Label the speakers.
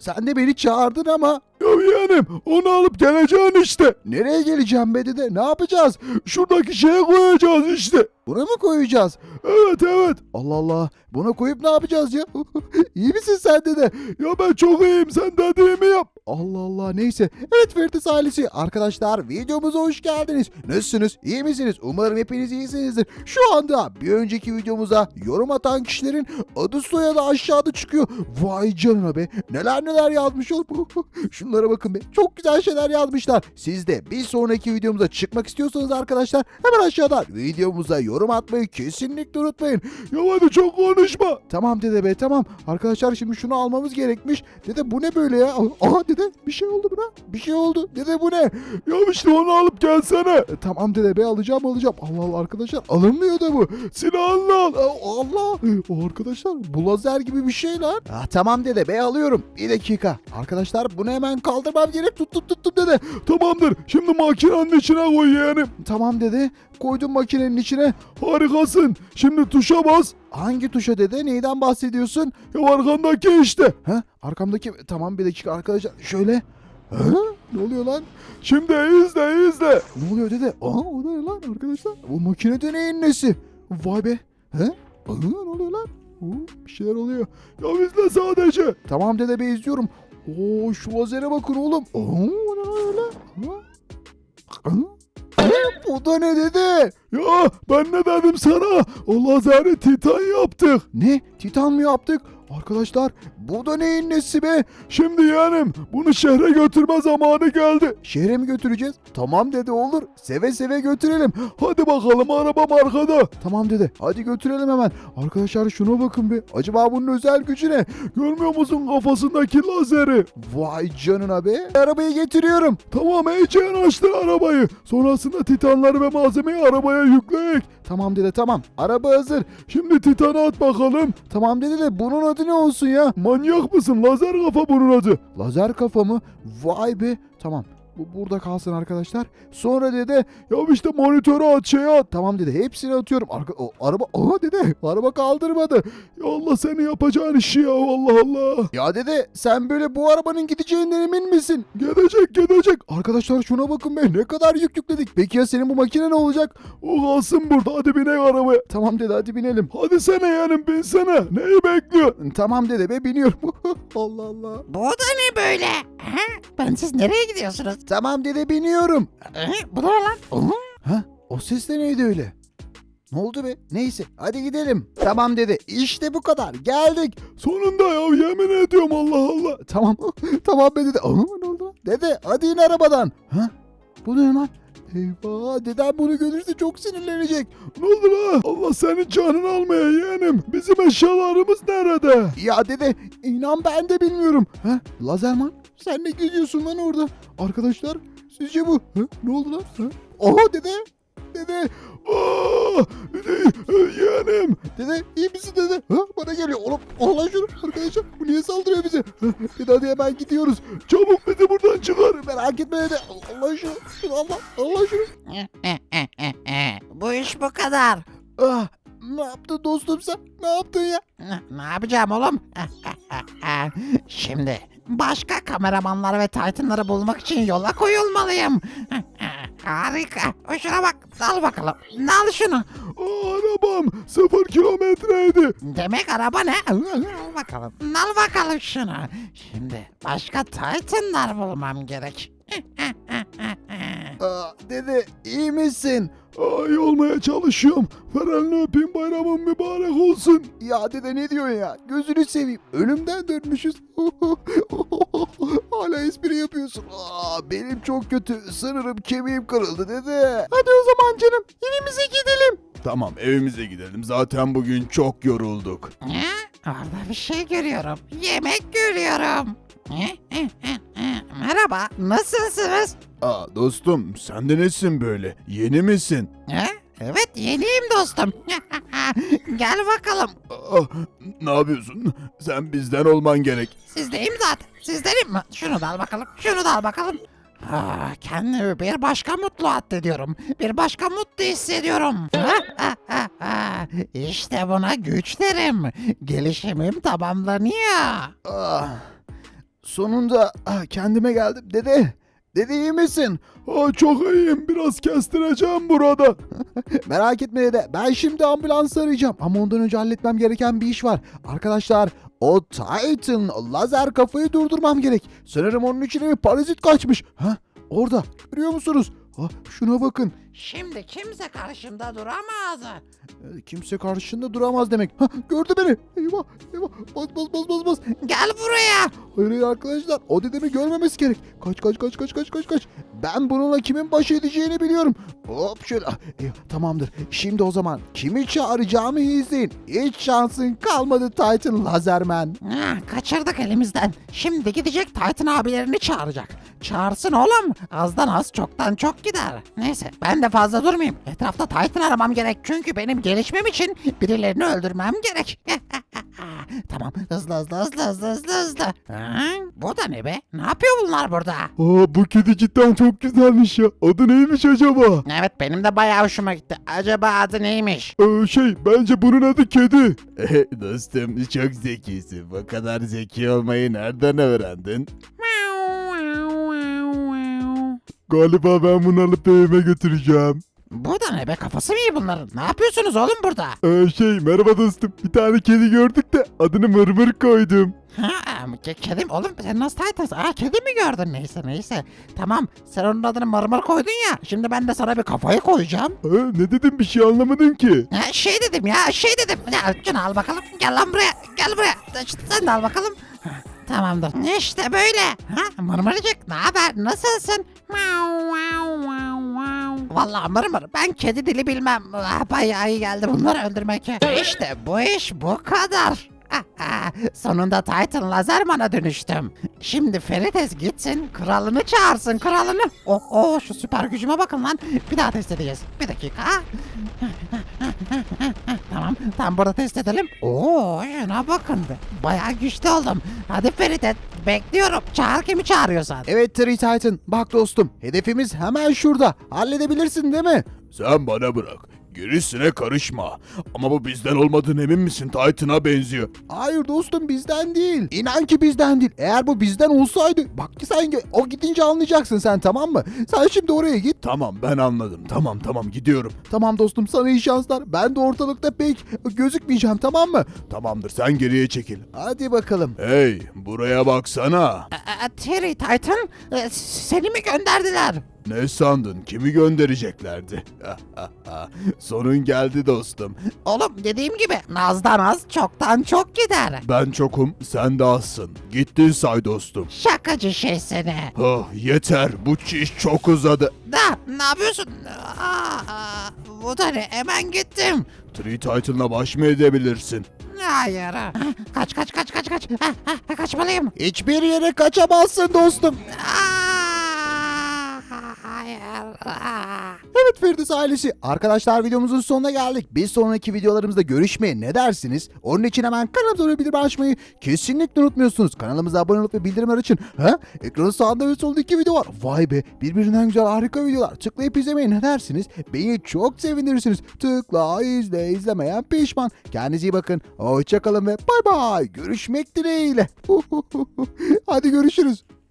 Speaker 1: Sen de beni çağırdın ama.
Speaker 2: Ya yeğenim onu alıp geleceksin işte.
Speaker 1: Nereye geleceğim be dede? Ne yapacağız?
Speaker 2: Şuradaki şeye koyacağız işte.
Speaker 1: Buna mı koyacağız?
Speaker 2: Evet evet.
Speaker 1: Allah Allah. Buna koyup ne yapacağız ya? İyi misin sen dede?
Speaker 2: Ya ben çok iyiyim, sen dediğimi yap.
Speaker 1: Allah Allah, neyse. Evet Ferit ailesi, arkadaşlar videomuza hoş geldiniz. Nasılsınız? İyi misiniz? Umarım hepiniz iyisinizdir. Şu anda bir önceki videomuza yorum atan kişilerin adı soyadı aşağıda çıkıyor. Vay canına be. Neler neler yazmış oğlum. Şunlara bakın be. Çok güzel şeyler yazmışlar. Siz de bir sonraki videomuza çıkmak istiyorsanız arkadaşlar hemen aşağıdan videomuza yorum atmayı kesinlikle unutmayın.
Speaker 2: Ya hadi çok konuşma.
Speaker 1: Tamam dede be, tamam. Arkadaşlar şimdi şunu almamız gerekmiş. Dede bu ne böyle ya? Aha dede bir şey oldu buna. Bir şey oldu. Dede bu ne?
Speaker 2: Ya işte onu alıp gelsene.
Speaker 1: Tamam dede be, alacağım. Allah Allah arkadaşlar, alınmıyor da bu.
Speaker 2: Silahını al.
Speaker 1: Allah. Arkadaşlar bu lazer gibi bir şey lan. Tamam dede be, alıyorum. Bir dakika. Arkadaşlar bunu hemen kaldırmam gerek. Tuttum dede.
Speaker 2: Tamamdır. Şimdi makinenin içine koy yeğenim.
Speaker 1: Tamam dede. Koydum makinenin içine.
Speaker 2: Harikasın. Şimdi tuşa bas.
Speaker 1: Hangi tuşa dede? Neyden bahsediyorsun?
Speaker 2: Ya arkandaki işte.
Speaker 1: Ha? Arkamdaki. Tamam bir dakika arkadaşlar. Şöyle. Ha? Ne oluyor lan?
Speaker 2: Şimdi izle.
Speaker 1: Ne oluyor dede? O ne lan arkadaşlar? Bu makine deneyin nesi? Vay be. He? Ne oluyor lan? Bir şeyler oluyor.
Speaker 2: Ya izle sadece.
Speaker 1: Tamam dede be, izliyorum. Şu lazere bakın oğlum. O ne öyle? Bu da ne dede?
Speaker 2: Ya ben ne dedim sana? O lazeri titan yaptık.
Speaker 1: Ne? Titan mı yaptık? Arkadaşlar bu da neyin nesi be?
Speaker 2: Şimdi yeğenim bunu şehre götürme zamanı geldi.
Speaker 1: Şehre mi götüreceğiz? Tamam dede, olur. Seve seve götürelim.
Speaker 2: Hadi bakalım, arabam arkada.
Speaker 1: Tamam dede, hadi götürelim hemen. Arkadaşlar şuna bakın be. Acaba bunun özel gücü ne?
Speaker 2: Görmüyor musun kafasındaki lazeri?
Speaker 1: Vay canına be. Arabayı getiriyorum.
Speaker 2: Tamam, iyice yanaştır arabayı. Sonrasında titanları ve malzemeyi arabaya yükleyek.
Speaker 1: Tamam dede, tamam. Araba hazır.
Speaker 2: Şimdi titanı at bakalım.
Speaker 1: Tamam dede de bunun adı ne olsun ya?
Speaker 2: Manyak mısın? Lazer kafa bunun adı.
Speaker 1: Lazer kafa mı? Vay be. Tamam. Bu burada kalsın arkadaşlar. Sonra dede.
Speaker 2: Ya işte monitörü at, şeye at.
Speaker 1: Tamam dede, hepsini atıyorum. Araba. Aha dede. Araba kaldırmadı.
Speaker 2: Ya Allah, seni yapacağın işi ya, Allah Allah.
Speaker 1: Ya dede, sen böyle bu arabanın gideceğinden emin misin?
Speaker 2: Gidecek.
Speaker 1: Arkadaşlar şuna bakın be. Ne kadar yük yükledik. Peki ya senin bu makine ne olacak?
Speaker 2: O kalsın burada, hadi binek arabaya.
Speaker 1: Tamam dede, hadi binelim.
Speaker 2: Hadi sene yeğenim, binsene. Neyi bekliyor?
Speaker 1: Tamam dede be, biniyorum. Allah Allah.
Speaker 3: Bu da ne böyle? Ha? Ben siz nereye gidiyorsunuz?
Speaker 1: Tamam dede, biniyorum.
Speaker 3: Bu da ne lan?
Speaker 1: Ha? O ses de neydi öyle? Ne oldu be? Neyse, hadi gidelim. Tamam dede, işte bu kadar. Geldik.
Speaker 2: Sonunda ya, yemin ediyorum, Allah Allah.
Speaker 1: Tamam. Tamam be dede. Ne oldu? Dede hadi in arabadan. Ha? Bu ne lan? Eyvah, dedem bunu görürse çok sinirlenecek.
Speaker 2: Ne oldu la? Allah senin canını almaya yeğenim. Bizim eşyalarımız nerede?
Speaker 1: Ya dede, inan ben de bilmiyorum. Ha? Lazerman, sen ne geziyorsun lan orada? Arkadaşlar, sizce bu? Ha? Ne oldu lan? Ha? Oha dede. Dede.
Speaker 2: Aa, yeğenim.
Speaker 1: Dede iyi misin dede? Ha? Bana geliyor. Oğlum Allah şunu arkadaşlar. Bu niye saldırıyor bize? Ha? Dede hadi hemen gidiyoruz.
Speaker 2: Çabuk bizi buradan çıkar.
Speaker 1: Merak etme dede. Allah şunu. Allah şunu.
Speaker 3: Bu iş bu kadar.
Speaker 1: Ah, ne yaptın dostum sen? Ne yaptın ya?
Speaker 3: Ne yapacağım oğlum? Şimdi başka kameramanları ve Titan'ları bulmak için yola koyulmalıyım. Harika. Şuna bak. Al bakalım. Al şunu.
Speaker 2: Arabam 0 kilometreydi.
Speaker 3: Demek araba ne? Al bakalım. Al bakalım şunu. Şimdi başka Titan'lar bulmam gerek.
Speaker 1: Dede iyi misin?
Speaker 2: Ay, olmaya çalışıyorum. Ferenli öpeyim, bayramın mübarek olsun.
Speaker 1: Ya dede ne diyorsun ya? Gözünü seveyim. Ölümden dönmüşüz. Hala espri yapıyorsun. Benim çok kötü. Sanırım kemiğim kırıldı dede. Hadi o zaman canım. Evimize gidelim.
Speaker 2: Tamam, evimize gidelim. Zaten bugün çok yorulduk.
Speaker 3: Orada bir şey görüyorum. Yemek görüyorum. Merhaba. Nasılsınız?
Speaker 2: Dostum, sen de nesin böyle? Yeni misin?
Speaker 3: Evet, yeniyim dostum. Gel bakalım.
Speaker 2: Ne yapıyorsun? Sen bizden olman gerek.
Speaker 3: Sizdeyim zaten. Sizdenim mi? Şunu da al bakalım. Şunu da al bakalım. Kendimi bir başka mutlu addediyorum. Bir başka mutlu hissediyorum. İşte buna güç derim. Gelişimim tamamlanıyor.
Speaker 1: Sonunda kendime geldim. Dede iyi misin?
Speaker 2: Çok iyiyim. Biraz kestireceğim burada.
Speaker 1: Merak etme dede. Ben şimdi ambulans arayacağım. Ama ondan önce halletmem gereken bir iş var. Arkadaşlar o Titan lazer kafayı durdurmam gerek. Sanırım onun içine bir parazit kaçmış. Orada. Görüyor musunuz? Şuna bakın.
Speaker 3: Şimdi kimse karşımda duramaz.
Speaker 1: Kimse karşında duramaz demek. Gördü beni. Eyvah. Bas.
Speaker 3: Gel buraya.
Speaker 1: Hayır arkadaşlar. O dedemi görmemesi gerek. Kaç. Ben bununla kimin baş edeceğini biliyorum. Hop şöyle. Tamamdır. Şimdi o zaman kimi çağıracağımı iyi izleyin. Hiç şansın kalmadı Titan Lazerman.
Speaker 3: Kaçırdık elimizden. Şimdi gidecek Titan abilerini çağıracak. Çağırsın oğlum. Azdan az çoktan çok gider. Neyse ben de fazla durmayayım. Etrafta Titan aramam gerek. Çünkü benim gelişmem için birilerini öldürmem gerek. Tamam hızlı. Bu da ne be? Ne yapıyor bunlar burada?
Speaker 2: Bu kedi cidden çok güzelmiş ya. Adı neymiş acaba?
Speaker 3: Evet benim de bayağı hoşuma gitti. Acaba adı neymiş?
Speaker 2: Bence bunun adı kedi.
Speaker 1: Dostum çok zekisin. Bu kadar zeki olmayı nereden öğrendin?
Speaker 2: Galiba ben bunu alıp evime götüreceğim.
Speaker 3: Bu da ne be? Kafası mı iyi bunların? Ne yapıyorsunuz oğlum burada?
Speaker 2: Merhaba dostum. Bir tane kedi gördük de adını Mırmır koydum.
Speaker 3: Kedim oğlum sen nasıl Titansın? Kedi mi gördün? Neyse. Tamam sen onun adını Mırmır koydun ya. Şimdi ben de sana bir kafayı koyacağım.
Speaker 2: Ne dedim bir şey anlamadım ki.
Speaker 3: Şey dedim. Ya şunu al bakalım. Gel lan buraya. Gel buraya. Sen de al bakalım. Tamamdır. İşte böyle. Mırmırcık ne haber? Nasılsın? Vallahi Mırmır ben kedi dili bilmem. Bayağı iyi geldi bunları öldürmek. İşte bu iş bu kadar. Sonunda Titan Lazerman'a dönüştüm. Şimdi Ferites gitsin kralını çağırsın kralını. Şu süper gücüme bakın lan. Bir daha test edeceğiz. Bir dakika. Tamam burada test edelim. Şuna bakın be. Bayağı güçlü oldum. Hadi Ferites bekliyorum. Çağır kimi çağırıyorsan.
Speaker 1: Evet Tree Titan. Bak dostum hedefimiz hemen şurada. Halledebilirsin değil mi?
Speaker 2: Sen bana bırak. Gerisine karışma. Ama bu bizden olmadığına emin misin? Titan'a benziyor.
Speaker 1: Hayır dostum bizden değil. İnan ki bizden değil. Eğer bu bizden olsaydı bak ki sen o gidince anlayacaksın sen tamam mı? Sen şimdi oraya git.
Speaker 2: Tamam ben anladım. Tamam gidiyorum.
Speaker 1: Tamam dostum sana iyi şanslar. Ben de ortalıkta pek gözükmeyeceğim tamam mı?
Speaker 2: Tamamdır sen geriye çekil.
Speaker 1: Hadi bakalım.
Speaker 2: Hey buraya baksana.
Speaker 3: Terry Titan seni mi gönderdiler?
Speaker 2: Ne sandın? Kimi göndereceklerdi? Sonun geldi dostum.
Speaker 3: Oğlum dediğim gibi nazdan az çoktan çok gider.
Speaker 2: Ben çokum, sen de azsın. Gittin say dostum.
Speaker 3: Şakacı şey seni.
Speaker 2: Yeter, bu iş çok uzadı.
Speaker 3: Ne yapıyorsun? Bu da ne? Hemen gittim.
Speaker 2: Tree Titan'la baş mı edebilirsin?
Speaker 3: Hayır. Kaç. Kaçmalıyım.
Speaker 1: Hiçbir yere kaçamazsın dostum.
Speaker 3: Hayır.
Speaker 1: Evet Firdevs ailesi. Arkadaşlar videomuzun sonuna geldik. Bir sonraki videolarımızda görüşmeye ne dersiniz? Onun için hemen kanalımıza bildirim açmayı kesinlikle unutmuyorsunuz. Kanalımıza abone olup ve bildirimler açın. Ekranın sağında ve solunda 2 video var. Vay be birbirinden güzel harika videolar. Tıklayıp izlemeye ne dersiniz? Beni çok sevindirirsiniz. Tıkla izlemeyen pişman. Kendinize iyi bakın. Hoşçakalın ve bay bay. Görüşmek dileğiyle. Hadi görüşürüz.